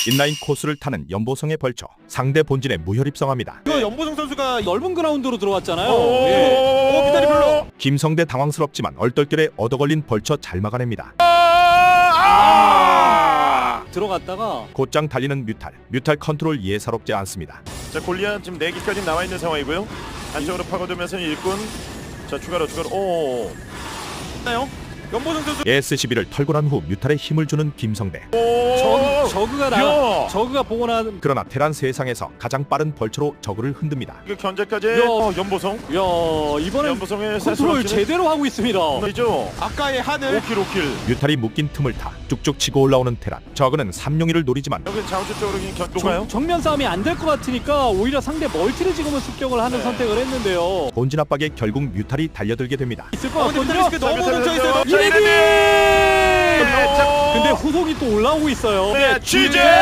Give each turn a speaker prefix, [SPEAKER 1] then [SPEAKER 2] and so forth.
[SPEAKER 1] 인라인 코스를 타는 연보성의 벌처, 상대 본진에 무혈입성합니다.
[SPEAKER 2] 이거 연보성 선수가
[SPEAKER 3] 넓은 그라운드로 들어왔잖아요.
[SPEAKER 2] 오,
[SPEAKER 3] 예.
[SPEAKER 2] 오, 비달이 별로.
[SPEAKER 1] 김성대 당황스럽지만 얼떨결에 얻어걸린 벌처 잘 막아냅니다.
[SPEAKER 3] 들어갔다가
[SPEAKER 1] 곧장 달리는 뮤탈 컨트롤 예사롭지 않습니다.
[SPEAKER 2] 자, 골리앗 지금 4기까지 나와 있는 상황이고요. 안쪽으로 파고들면서 일꾼. 자, 추가로. 오. 나요? 연보성 선수.
[SPEAKER 1] SCB를 털고 난 후 뮤탈에 힘을 주는 김성대.
[SPEAKER 3] 저그가 저그가 보고 난.
[SPEAKER 1] 그러나 테란 세상에서 가장 빠른 벌처로 저그를 흔듭니다.
[SPEAKER 2] 그 견제까지.
[SPEAKER 3] 야.
[SPEAKER 2] 연보성.
[SPEAKER 3] 야, 이번엔
[SPEAKER 2] 연보성의
[SPEAKER 3] 컨트롤 제대로 하고 있습니다.
[SPEAKER 2] 이죠.
[SPEAKER 4] 아까의 하늘
[SPEAKER 2] 5킬.
[SPEAKER 1] 뮤탈이 묶인 틈을 타 쭉쭉 치고 올라오는 테란. 저그는 3용이를 노리지만
[SPEAKER 2] 여기 자원주 쪽으로 견도가요.
[SPEAKER 3] 정면 싸움이 안 될 것 같으니까 오히려 상대 멀티를 지금은 습격을 하는 선택을 했는데요.
[SPEAKER 1] 본진 압박에 결국 뮤탈이 달려들게 됩니다.
[SPEAKER 3] 있을 것
[SPEAKER 2] 근데
[SPEAKER 3] 같거든요.
[SPEAKER 2] 뮤탈리스크 너무 뭉쳐있어요.
[SPEAKER 3] 이레디!
[SPEAKER 2] 자,
[SPEAKER 3] 근데 후속이 또 올라오고 있어요.
[SPEAKER 2] 네, 취재.